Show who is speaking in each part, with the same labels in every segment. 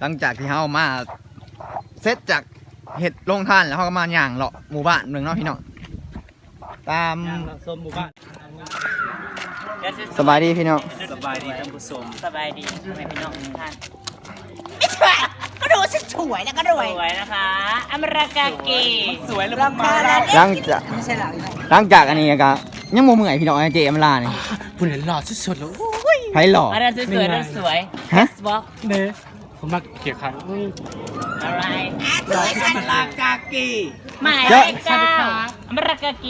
Speaker 1: หลังจากที่เฮามาเสร็จจากเห็ดลงท่านแล้วเขาก็มาย่างเลาะหมู่บ้านหนึ่งเนาะพี่น้องตามส้มหมู่บ้านสบายดีพี่น้อง
Speaker 2: สบายดีท่านผู้ชม
Speaker 3: สบายดีทำไมพี่น้องท่าน
Speaker 4: ก็ดูฉันสวยแล้วก็รวย
Speaker 3: สวยนะคะอเมริกาเก
Speaker 2: สวยหรือ
Speaker 4: ราคาแล้ว
Speaker 1: หลังจาก
Speaker 4: ไม่ใช่หรอก
Speaker 1: หลังจากอันนี้ก็ยังโมเมื่อยพี่น้องเจมลาเนี่ย
Speaker 2: ผู้เห็นหล่อสุดๆแล้ว
Speaker 1: ไผ่หล่อ
Speaker 3: อะไรสวยๆสวย
Speaker 1: ฮะ
Speaker 3: บล็อก
Speaker 2: เน่ผมมาเกี่ยวขัน
Speaker 3: อะไร
Speaker 4: สวยฉัน
Speaker 2: ลากากี
Speaker 3: หมายเลข9อเมริกาเก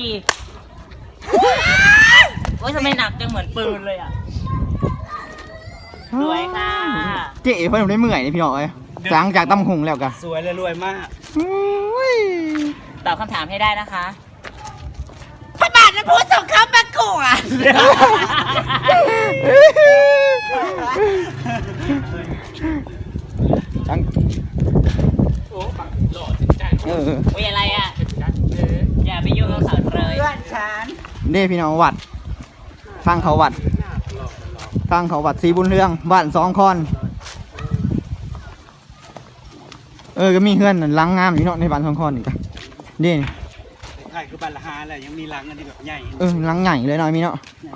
Speaker 3: โอ้ยทำไมหนักจังเหมือนปืนเลยอ่ะสวยค่ะ
Speaker 1: เจ๊เพิ่นได้เมื่อยนี่พี่น้องหลังจากตำหงแล้วกัน
Speaker 2: สวยและรวยมาก
Speaker 3: ตอบคำถามให้ได้นะคะ
Speaker 4: พระบาทน้ำพุส่งเขาประกวด
Speaker 1: หลัง
Speaker 2: โอ้ปังหล่อจริงใจ
Speaker 3: อุ้ยอะไรอ่ะอย่าไปยุ่งกับเขาเลย
Speaker 4: เพื่อนฉัน
Speaker 1: นี่พี่น้องวัดทางเขาวัดทางเขาวัดสีบุญเรืองบ้าน2 คอนก็มีเพื่อนล้างงามอยู่เนาะในบ้าน2 คอนนี่กันนี่
Speaker 2: ใช่คือบัลลาฮาแหละยังมีรังอันนี้แบบใหญ่
Speaker 1: ล้างใหญ่เลยเนาะมีเนาะ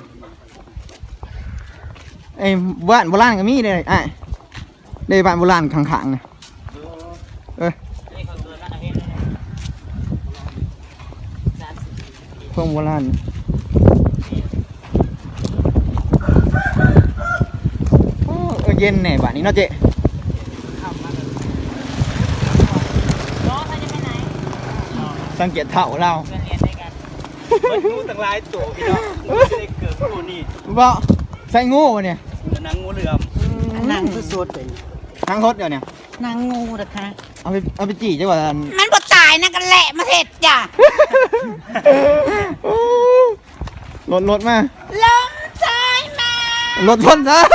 Speaker 1: บ้านโบราณก็มีเลยได้บ้านโบราณข้างๆเนี่ยพวกโบราณเย็นแน่บ้านนี้เนาะเจ๊สังเกตเถ่าเรา
Speaker 3: เรียนด้วยกัน
Speaker 2: มันงูต่างหลายตัวพี่น้องจะได้เกิดตัวนี้
Speaker 1: บ่ใส่งูวะเนี่ย
Speaker 2: นางงูเหลือม
Speaker 4: นางสุดๆเลย
Speaker 1: ทั้งทดเดี๋ยวเนี่ย
Speaker 4: นางงูนะคะ
Speaker 1: เอาไปจี่จังหวะ
Speaker 4: มันบ่ตายนะกันแหละมาเห็ดจ้ะ
Speaker 1: รถมา
Speaker 4: ลมใจมาร
Speaker 1: ถพ้นซะ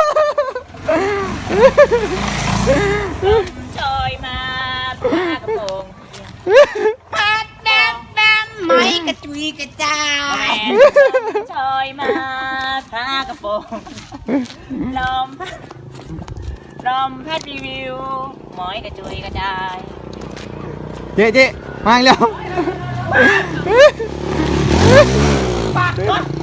Speaker 3: จอยมาผ้ากระโปรง
Speaker 4: พัดดำดำไม่กระจุยกระจา
Speaker 3: แม
Speaker 4: ย
Speaker 3: นจอยมาผ้ากระโปรงลมพัดรีวิวหมอยกระจุยกระจาย
Speaker 1: เจ๊มาอีกแล้ว
Speaker 4: ปากรถ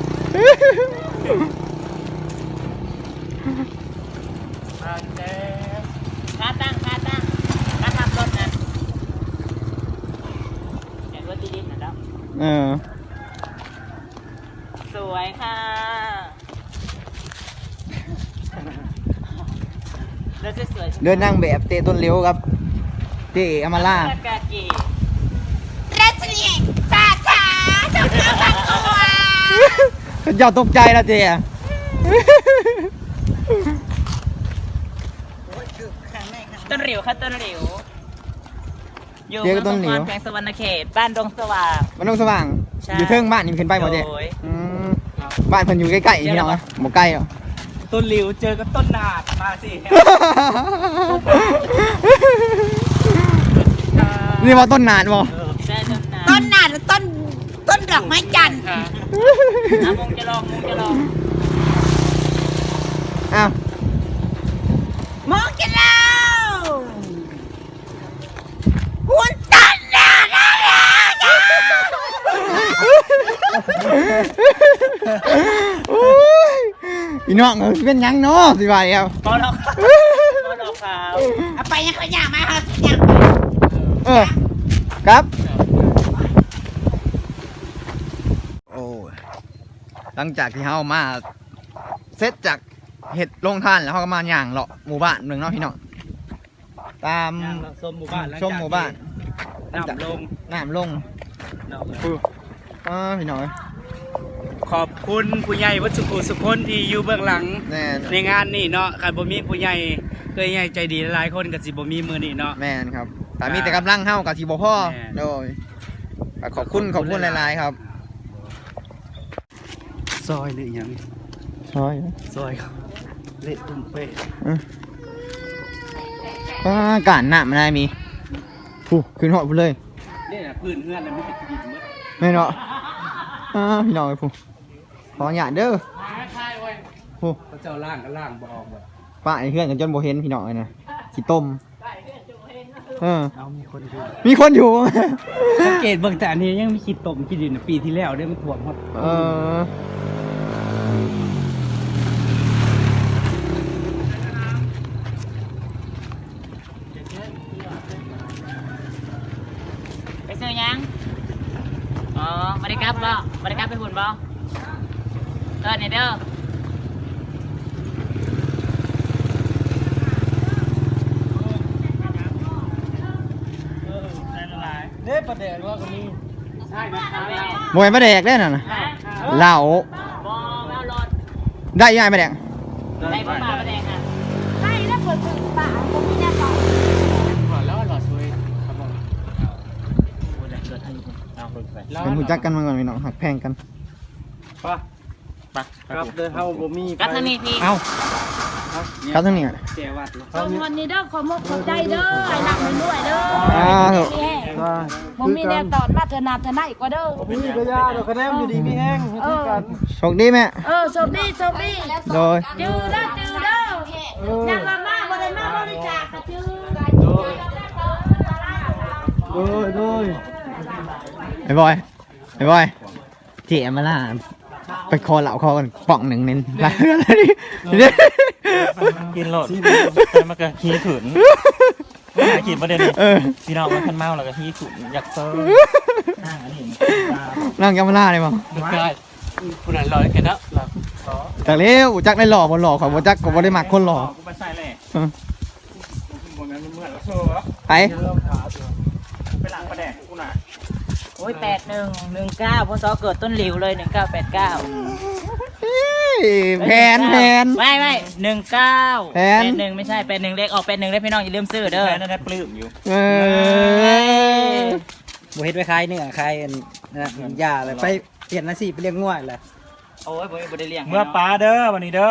Speaker 3: ค่าตั้งค่าขับรถนะเห็นรถที่ดินนะแล้วสวยค่ะแล้วสวยๆ
Speaker 1: เดินนั่งแบบเตะต้นเลี้ยวครับเจ๊อามาล่า
Speaker 3: อเมริกาเก
Speaker 4: รัชนีตาชาจงเข้าประกวด
Speaker 1: เจ้าตกใจแล้วเจ๊
Speaker 3: ต้นหลิวค่ะต้นหลิวอยู่เมืองสงขลาแขวงสวรรณเขตบ้านดงสว่าง
Speaker 1: มันต้องสว่าง
Speaker 3: ใช่
Speaker 1: อยู่เทิงบ้านนี่มันขึ้นไปบ่เจ๊
Speaker 3: โอ้ย
Speaker 1: บ้านเพิ่นอยู่ใกล้ๆพี่น้องนะบ่ใกล้หรอก
Speaker 2: ต้นหลิวเจอกับต้นนาดมาสิ
Speaker 1: นี่ว่าต้นนานบ่
Speaker 3: ใช่ต้นนา
Speaker 4: ต้นหนาหรือต้นดอกไม้จันทร์
Speaker 3: มุงจะลอง
Speaker 1: อ้าว
Speaker 4: มองกันแล้วหุ่นต้นหนานะ
Speaker 1: พี่น้องเป็นหยังเนาะสิว่าแล้ว
Speaker 3: พอดอกขาว
Speaker 4: เอาไปยังเขาอยากมาเขาอยาก
Speaker 1: ครับโอ้หลังจากที่เฮามาเสร็จจากเห็ดลงท่านแล้วเขาก็มาย่างเลาะหมู่บ้านหนึ่งเนาะพี่น้องตาม
Speaker 2: ส้มหมู่บ้าน
Speaker 1: ชมหมู่บ้าน
Speaker 2: น้ำลง
Speaker 1: น้ำลงพี่น้อง
Speaker 2: ขอบคุณผู้ใหญ่วัดสุขุสุคนที่อยู่เบื้องหลัง
Speaker 1: แน่
Speaker 2: ในงานนี่เนาะคันบ่มีผู้ใหญ่เคยใหญ่ใจดีหลายคนก็สิบ่มีมือนี่เนาะ
Speaker 1: แม่นครับแต่มีแต่กำลังเฮากับทีบ่พ่อ
Speaker 2: แม่น
Speaker 1: โดยขอบคุณหลายๆครับ
Speaker 2: ซอยหรือยัง
Speaker 1: ซอย
Speaker 2: ซอยครับเละตุ้มเป๊ะ
Speaker 1: การหน้ามันได้มีขึ้นหอดพูดเลย
Speaker 2: นี่นะพื้นเฮือนน่ะมันเป็นดินหมด
Speaker 1: ไม่เนาะพี่น้องไอ้ผู้ขอหยาดเด้อผู้
Speaker 2: เขาเจ้าล่างก็ล่างบ่ออกหมด
Speaker 1: ป้าไอ้เพื่อนกันจนโบเห็นพี่น้องเลยนะขี้ต้มมีคนอยู่
Speaker 2: สังเกตเบิ่งแต่อันนี้ยังมีคิดตกคิดดินปีที่แล้วได้มันท่วมหมด
Speaker 3: ไปซื้อยังอ๋อมาได้กลับบ่มาได้กลับไปหุ่นบ่เนี่ยเด้อ
Speaker 2: เด้ประเดี๋ยวว่าก็มีใช่นะครับ
Speaker 1: มวยมาแดกได้น่ะนะเหล่า
Speaker 3: บ่แมวรถ
Speaker 1: ได้ยังไงมาแดก
Speaker 3: ได้บ่มาแดงอ่ะ
Speaker 4: ใช่แล้วเปิดถึงป่าผมมีแน่นอน
Speaker 1: เป็นหูจักกันมาก่อนพี่น้องหักแพงกัน
Speaker 2: ครับเดินเฮาบ่มี
Speaker 3: กัทนี่พี่
Speaker 1: เอ้าครับทั้งนี้อ่ะ
Speaker 2: แกวัด
Speaker 4: ขอบคุณนี่เด้อขอมกขอบใจเด้อไอ้หลักมันด้วยเด้อ
Speaker 1: ถูก
Speaker 4: ผมมีแน่ตอนมาเธอนาเธอไหนกว่าเด้อ
Speaker 2: มีกระยาดอกกระแดมอยู่ดีมีแห้งคือกัน
Speaker 1: โชคดีแม่
Speaker 4: โชคดีโชคดี
Speaker 1: โดย
Speaker 4: จื้อเด้อจื้อเด้อยังมาบ่ได้มาบริจาคก็จื้อ
Speaker 2: โดย
Speaker 1: ไอ้บอยเจ๋มาล่าไปคอเหล่าคอกันป่องหนึ่งเน้นอะไรนี่
Speaker 5: กินโหลดแต่มันก็ขี้ขืนขีดประเด็นนี้พี่น้องมันคันเมาแล้วก็ขี้ขืนอยากเซอร์นั่งอันนี้
Speaker 1: นั่งยามาล่าเลยมั้ง
Speaker 5: ดูได้คุณอ่านรอยกันแล้ว
Speaker 1: แต่เลี้ยวจักได้หล่อบนหล่อขอบจักก็บ่ได้มักคนหล่อ
Speaker 5: กูไปใส่เลยบนนั้นมันเหมือนโซ่
Speaker 1: ไป
Speaker 5: ไปหลังประแดกกูน่ะ
Speaker 3: โอ้ย8119พศเกิดต้นหลิวเลย1989
Speaker 1: แผน
Speaker 3: ไม่19
Speaker 1: แผน
Speaker 3: 81ไม่ใช่81เลขออก81ได้พี่น้องอย่าลืมซื้อเด้อ
Speaker 5: แม่นั่นได้ปลื้มอยู่
Speaker 2: บ่เฮ็ดไว้คลายเนื้อคลายนะยาอะไรไปเปลี่ยนอาชีพไปเลี้ยงง่วยเลย
Speaker 3: โอ้ยบ่ได้เลี้ยง
Speaker 5: เมื่อปลาเด้อวันนี้เด้อ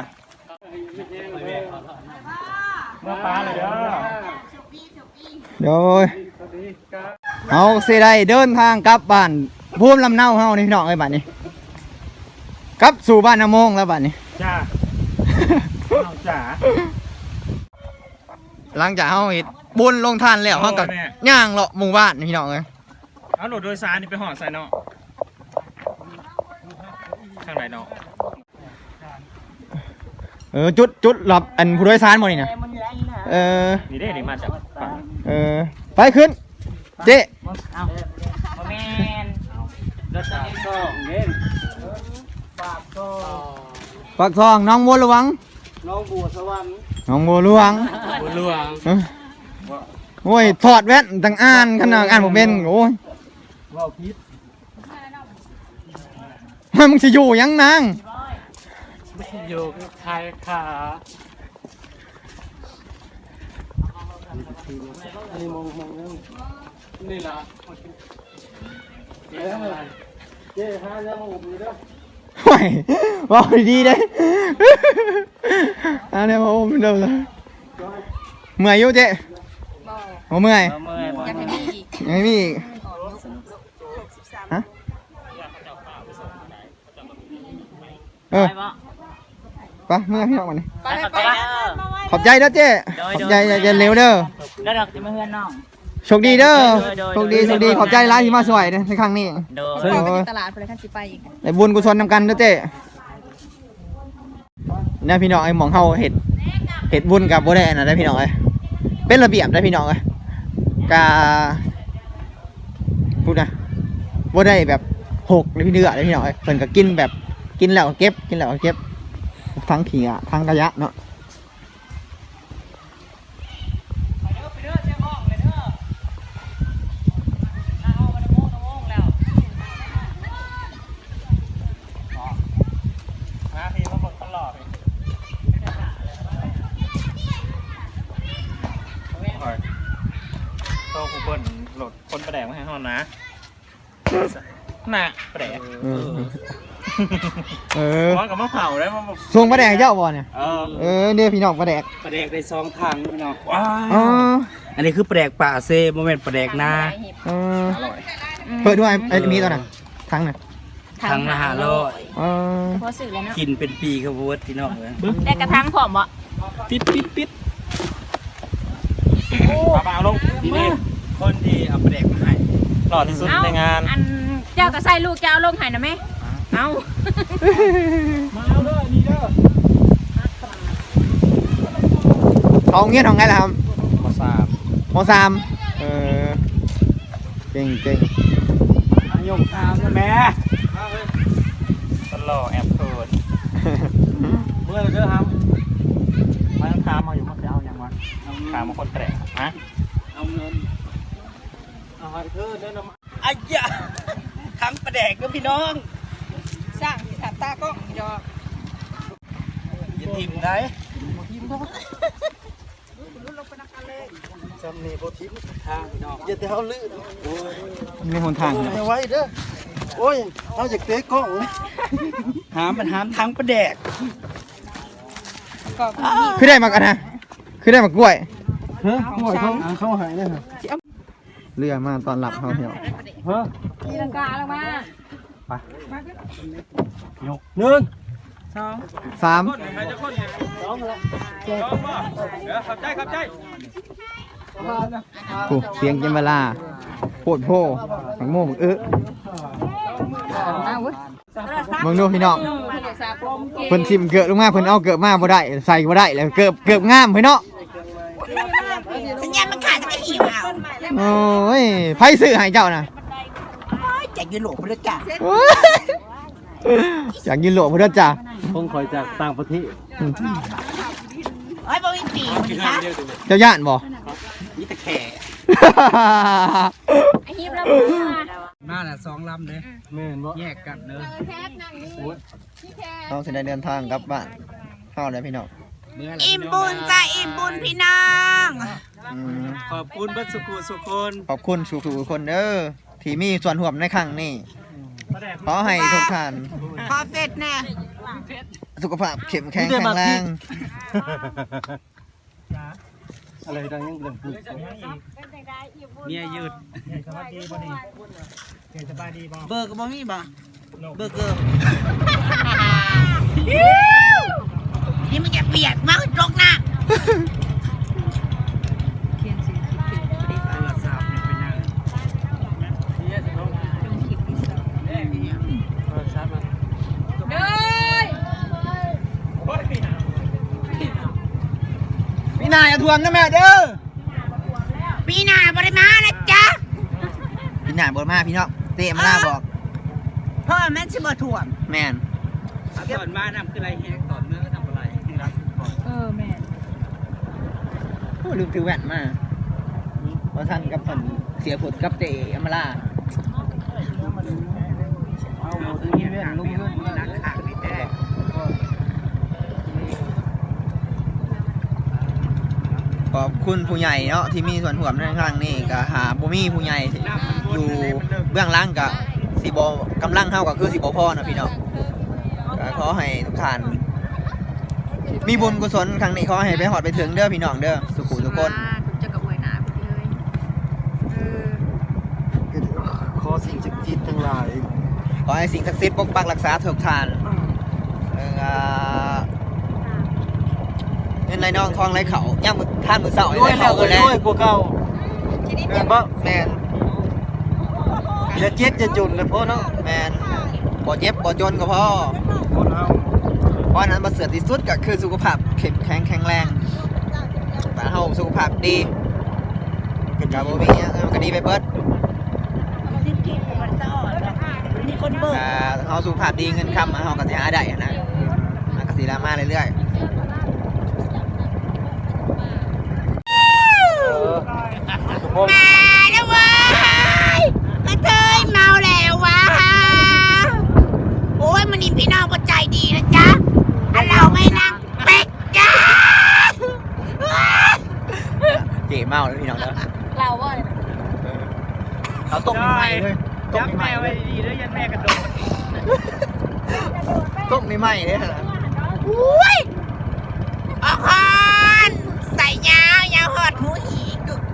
Speaker 5: เมื่อปลาเลยเด้อ
Speaker 1: โดยเอาสิได้เดินทางกลับบ้านภูมิลำเนาเฮานี่พี่น้องเอ้ยบัดนี้กลับสู่บ้านนาโมงแล้วบัดนี้
Speaker 5: จ้าน้องจ๋า
Speaker 1: หลังจากเฮาเฮ็ดบุญลงทานแล้วเฮาก็ย่างเลาะหมู่บ้านนี่พี่น้องเอ้ย
Speaker 5: เอาโหลดโดยสารนี่ไปห่อใส่เนาะข้างไหนเนาะ
Speaker 1: จุดหลับอันผู้โดยสารบ่นี่นะ
Speaker 5: นี่ได้นี่มาจากฝั่ง
Speaker 1: ไปขึ้นเจ๊
Speaker 3: เอาบ่แม่นรถจะส่ง
Speaker 1: ปากทองน้องบัวหลวง
Speaker 2: น้องบัวสวรรค์
Speaker 1: น้องบัวหลวง
Speaker 5: บุญหลวง
Speaker 1: โอ้ยถอดแว่นตั้งอ่านขนาดอ่านผมเป็นโอ้ย
Speaker 2: ว่าวพิษ
Speaker 1: มึงจะอยู่ยังนาง
Speaker 5: อยู่ไทยค่ะ
Speaker 2: อันนี้มองนี่ล่ะเจ๊หายังมาอุบอยู่เด้อ
Speaker 1: โอ้ยบอกดีๆเด้อันนี้มาโอ้มเดิมเลยเมื่อยอยู่เจ๊โอ้เมื่อย
Speaker 3: บ่เมื่อยบ่
Speaker 4: ยังไม่มีอีก
Speaker 1: ยังไม่มีอีกฮะ
Speaker 3: ไปบ่
Speaker 1: ไปเมื่อยพี่น้องมานี่
Speaker 3: ไปขอบใจเด้อ
Speaker 1: ขอบใจเด้อเจ๊ขอบใจอย่าเร็วเด้อ
Speaker 3: แล้วดอกจะมาเฮือนน้อง
Speaker 1: โชคดีเด้อโชคดีขอบใจร้านที่มาสวยในครั้งนี้
Speaker 3: โด
Speaker 4: ไปไปตลาดไปเลยขั้นสิไปอีก
Speaker 1: ในบุญกุศลนำกันเด้อเจ๊เนี่ยพี่น้องไอ้หมองเฮาเห็ดบุญกับบ่ได้อันนะได้พี่น้องเอ้ยเป็นระเบียบได้พี่น้องเอ้ยกาพูดนะบ่ได้แบบหกเลยพี่เดือได้พี่น้องเอ้ยเพิ่นก็กินแบบกินแล้วก็เก็บทั้งขี้อ่ะทั้งขยะเนาะ
Speaker 5: โตกูเบิ้ลโหลดคนประแดกมาให้ห้องนะน่ะประแดก ร้อนกับมะเผาได้มาแบบ
Speaker 1: ส่งปลาแดกเจ้าบ่เนี่ย เนี่ยพี่น้องปลาแดก
Speaker 2: ปลาแดกได้2ถังพี่น้อง
Speaker 5: ว้า
Speaker 1: อ๋อ
Speaker 2: อันนี้คือปลาแดกป่าเซ่บ่แม่นปลาแดกนา
Speaker 1: เปิดด้วยไอ้มีตัวน่ะทั้งน่ะ
Speaker 2: ถังละ500
Speaker 4: พอสื่อแล้วเนาะ
Speaker 2: กินเป็นปีครับเวิร์ดพี่น้องเอ้ย
Speaker 3: ได้กระทั่งผอมบ่
Speaker 2: ปิด
Speaker 5: ปลาเอาลง
Speaker 2: นี่คนที่เอาไปแดกมาให้
Speaker 5: หล่อที่สุดในงาน
Speaker 4: อันเจ้าก็ใส่ลูกเจ้าลงให้นะแม่เอา
Speaker 2: มาเอาเด้อนี่เด้อ
Speaker 1: เขาเงี้ยทำไงล่ะครับ
Speaker 2: มาสาม
Speaker 1: ม.3เก่ง
Speaker 2: อายงตามนะแม่
Speaker 5: คนหล่อแอบเขิน
Speaker 2: เมื่อเด้อครับ
Speaker 5: มาต้องถามมาอยู่ว่าจะเอาอย่างวะถามมาคนแปลกฮะ
Speaker 2: เอาเงินเอาให้เธอเด้อนะอ้ยะทั้งประแดกเด้อพี่น้อง
Speaker 4: สร้างที่ถามตาก็ยอ
Speaker 2: อย่าทิมได้
Speaker 6: จำนี่โบทิม
Speaker 2: ทางพี่น้อง
Speaker 6: อย่าแต่เขาลื่น
Speaker 1: มีหนทาง
Speaker 6: ไม่ไหวเด้อโอ้ยเขาจะเตะกล้องเลย
Speaker 2: หามมันหามทั้งประแดก
Speaker 4: ก็
Speaker 1: คือได้มากันนะคือได้มากล้วย
Speaker 6: ฮะเขาหายเนี่ยฮะ
Speaker 1: เรือมาตอนหลับเขาเหี่ยว
Speaker 6: ฮะ
Speaker 4: ตีลังกาแล้วมา
Speaker 6: หนึ่ง
Speaker 1: 3
Speaker 2: ขับใจ
Speaker 1: โอ้เสียงเจมเวลาโพดโพหมักโม่หมักมึงดูพี่น้องเพิ่นซิมเกิดลงมาเพิ่นเอาเกิดมาบ่ได้ใส่บ่ได้แล้วเกิดงามเพิ่นเนาะ
Speaker 4: สัญญาณมันขาดจะไม่หิวเอา
Speaker 1: โอ้ยไผซื้อให้เจ้าน่ะ
Speaker 4: แจกยืนหลวงพระจ่า
Speaker 1: โอ้ยอยากยินหลวงพุ่นจ้ะ
Speaker 6: คงคอยจากต่างประเทศ
Speaker 4: เฮ้ยบ่มีปีกนะ
Speaker 1: เจ้าย่านบ่
Speaker 2: นี่ตะแข่
Speaker 4: ไอ้ฮิมแล้ว
Speaker 2: มาน่ะ2ลำเด้อ
Speaker 6: แม่นบ่
Speaker 2: แยกกันเด้อ
Speaker 1: เราสิได้เดินทางกลับบ้านเฮาได้พี่น้อง
Speaker 2: เมื่อไหร่
Speaker 4: อิ่มบุญจ้าอิ่มบุญพี่น้อง
Speaker 1: อืม
Speaker 2: ขอบคุณเบัดสุขุสุคน
Speaker 1: ขอบคุณทุกๆคนเด้อที่มีส่วนร่วมในครั้งนี้ขอให้ทุกท่าน
Speaker 4: ขอเฟ็ดแน่
Speaker 1: สุขภาพเข้มแข็งแข็งแรง
Speaker 6: อะไรดังยังเรื่องพูด
Speaker 2: เนี่ยยืด
Speaker 3: เบอร์ก็บ่มีบ่เบอร์เกอร์
Speaker 4: นี่มันจะเปียกมากตรงหน้า
Speaker 2: โทรศัพท์นี่เป็นยัง
Speaker 1: พี่นายอย่าทวงนะแม่เด้อ
Speaker 4: ปีหน้าบริมานะจ๊ะ
Speaker 1: พี่นายบ่มาพี่น้องเตะมาลาบอก
Speaker 4: เพราะมันสิบ่ถ่วม
Speaker 1: แม่น
Speaker 2: ก่อนมานำคืออะไรแฮกต่อเนื่องก็ทำอะไร
Speaker 1: โอ้ลืมถือแว่นมาเพราะท่านกับเพิ่นเสียผลกับเตะมาลา
Speaker 6: เอาหมดที่เล่นลุกเล่น
Speaker 2: นักข่าวนี่แท้
Speaker 1: ขอบคุณผู้ใหญ่เนาะที่มีส่วนร่วมในครั้งนี้ก็หาบ่มีผู้ใหญ่ที่อยู่เบื้องหลังก็สิบ่กำลังเฮาก็คือสิบ่พอนะพี่น้องก็ขอให้ทุกท่านมีบุญกุศลครั้งนี้ขอให้ไปฮอดไปถึงเด้อพี่น้องเด้อสุขุทุกคน
Speaker 4: จะกับอวยหนาไปเลย
Speaker 6: ขอสิ่งศักดิ์สิทธิ์ทั้งหลาย
Speaker 1: ขอให้สิ่งศักดิ์สิทธิ์ปกปักรักษาทุกท่านเงินไหลน้องทองไหลเขาย่างมือท่านมือเสา
Speaker 6: ด้วย
Speaker 1: เขา
Speaker 6: แล้ว
Speaker 1: แล้ว
Speaker 6: ด้วยกว่าเก่าแม่นบ่
Speaker 1: แมน
Speaker 6: อย่าเจ็ดจะจุนเลยพ่อเนาะ
Speaker 1: แมนบ่เจ็บบ่จนก็พอ
Speaker 6: คนเฮา
Speaker 1: เพราะฉะนั้นประเสริฐที่สุดก็คือสุขภาพเข้มแข็งแข็งแรงแต่เฮาสุขภาพดีกับบ่มีหยังก็ดีไปเบิด
Speaker 4: มีคนเบิก
Speaker 1: เฮาสุขภาพดีเงินคำเฮาก็สิหาได้นะก็สิรามาเรื่อยๆ
Speaker 4: มาแล้วเว้ยกระเทยเมาแล้ววะโอ้ยมันนี่พี่น้องก็ใจดีนะจ๊ะอันเราไม่นั่งเป็ดจ้า
Speaker 1: เจ๋เมาเลยพี่น้องเด้อ
Speaker 4: เราว่า
Speaker 1: เขาต้มใหม่เลยต้
Speaker 2: จั
Speaker 1: ม
Speaker 2: บ
Speaker 1: ให
Speaker 2: แม่
Speaker 1: ม่
Speaker 2: ไว้ดีๆแล้วยันแม่กระโดด
Speaker 1: ต้มใหม่เลยนะ
Speaker 4: อุ้ยออกฮอนใส่ยาวยาวหอดหูหีกึก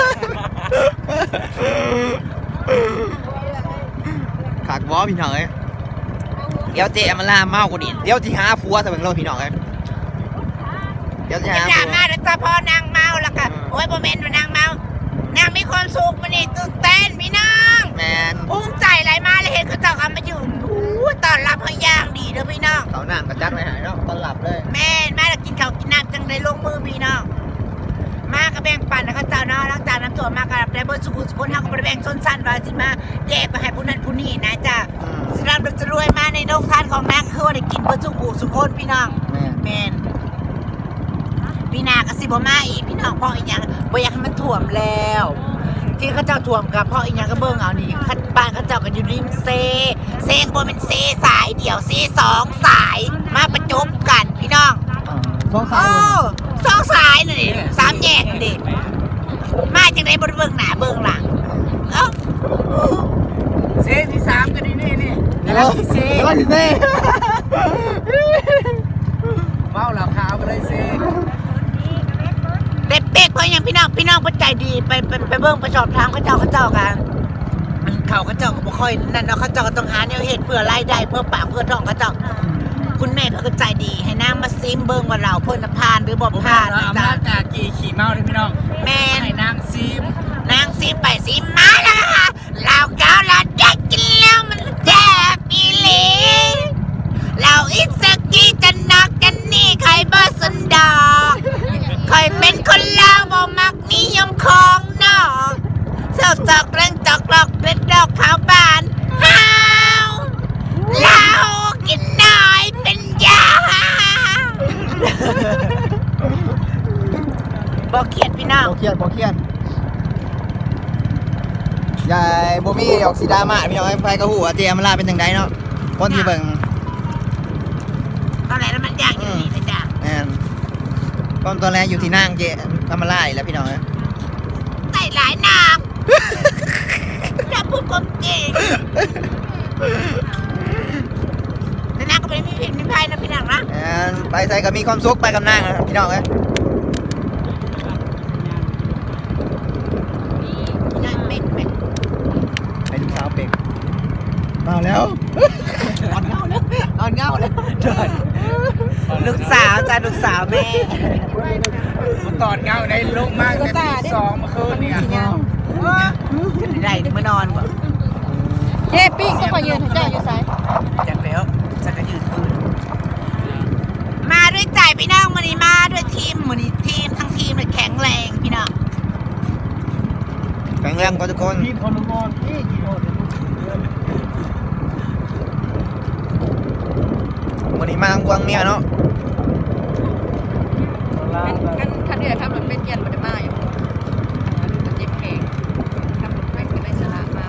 Speaker 1: ขากบอพี่น้องเอ้ยเดี๋ยวเจ๊มาล่าเมากว่านี้เดี๋ยวที่หาผัวสำหรับเราพี่น้องเอ้ยเดี๋ยวที่หา
Speaker 4: ดรา
Speaker 1: ผัว
Speaker 4: ม่าแล้วก็พอนางเมาแล้วก็โอ้ยโมเมนต์ว่านางเมานางน้องมากระแบ่งปันนะเขาเจ้าเนาะหลังจากน้ำตัวมากกับได้เบอร์สุขุสุขนเขาก็แบ่งชนชั้นว่าสิมาแยกไปให้ผู้นั้นผู้นี้นะจ๊ะสิรำจะรวยมาในโรงทานของนางคือว่าได้กินเบอร์สุขุสุขนพี่น้องแมนพี่นาก็สิบมาอีกพี่น้องเพราะอีกอย่างบ่อยากให้มันถ่วมแล้วที่เขาเจ้าถ่วมกับเพราะอีกอย่างก็เบิ่งเอานี่บ้านเขาเจ้ากันอยู่ริมเซก็บ่เป็นเซสายเดี่ยวเซ2 สายมาประจบกันพี่น้อง
Speaker 1: สองสาย
Speaker 4: 2 สายน่ะดิ3 แยกน่ะดิมาจากไหนบ่ได้เบิ่งหน้าเบิ่งหลังเอ้า
Speaker 2: เซที่3กันนี่
Speaker 1: เดี๋ยวสิเซ่
Speaker 2: เมาเหล่าขาวไปเลยเซ
Speaker 4: เด็กๆเพราะอย่างพี่น้องบ่ใจดีไปเบิ่งไปสอบถามเขาเจ้ากันเขาเจ้าก็บ่ค่อยนั่นเนาะเขาเจ้าก็ต้องหาแนวเฮ็ดเพื่อรายได้เพื่อปากเพื่อท้องเขาเจ้าคุณแม่เขาก็ใจดีให้นางมาซิมเบิ่งว่าเราเพิ่นน่ะผ่านหรือบ่ผ่านนะ
Speaker 2: อำ
Speaker 4: จ๊ะ
Speaker 2: นาจกากีขี่เมาเลยพี่น้อง
Speaker 4: แม่น
Speaker 2: ให้นางซีม
Speaker 4: นางซิมไปซิมมาแล้วค่ะเราเกาเราได้กินแล้วมันแซ่บอีหลีเราอิสกี้จะนักกันนี่ใครบ่สนดอกคอยเป็นคนลาวบ่มักนิยมของนอกเจ้าจอกเร่งจอกหลอกเป็นดอกขาวบานฮ้าวเรากินน้อยเป็นยาบ่เขียดพี่น้อง
Speaker 1: บ่เครียดยายบ่มีออกสีดราม่าพี่น้องไปกระหูว่าเตรียมมาลาเป็นจังไดเนาะคนที่เบิ่ง
Speaker 4: ตอนไหนแล้วมันยากอยู่นี่นะจ๊ะ
Speaker 1: แม่นตอนแรกอยู่ที่นั่งเจทำมาลาอีกแล้วพี่น้อง
Speaker 4: ใส่หลายน้ำจะพูดความจริงแต่นางก็ไม่มีผิดมีภัยนะพี่น้องนะ
Speaker 1: แม่นไปใส่ก็มีความสุขไปกับนางนะครับพี่น้องเอ้ย
Speaker 4: นั่นเม็ด
Speaker 1: ไปดูสาวเป็กมาแล้วอ่อนเงาแล้ว
Speaker 4: ลูกสาวจ้ะลูกสาวแม่
Speaker 2: ตอดเงาได้ลงมากแต่ตี2เมื่อคืนเนี่ย
Speaker 4: ได้เมื่อนอนก่อน
Speaker 7: เย้ปิ้งก็ขอยืนให้เจ้าอยู่ไส
Speaker 4: จัดแล้วจะกระยืดคืนมาด้วยใจพี่น้องมันนี้มาด้วยทีมมันนี้ทีมทั้งทีมเลยแข็งแรงพี่น้อง
Speaker 1: แข็งแรงกว่าทุกคน
Speaker 6: ทีมพลมอนที่กี่คน
Speaker 1: วันนี้มาทางกวางเมียเนาะ
Speaker 7: คันเดือดทำรถเป็นเกียร์มันจะมาอยู่มันเจ็บแขงทำรถเป็นก็ได้สละมา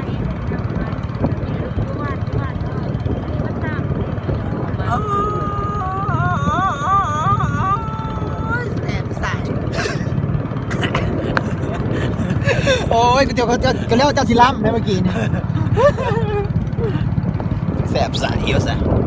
Speaker 4: แสบใส
Speaker 1: โอ้ยเดี๋ยวเขาจะเรียกว่าเจ้าศิลัมได้เมื่อกี้นี่แสบใสเยอะซะ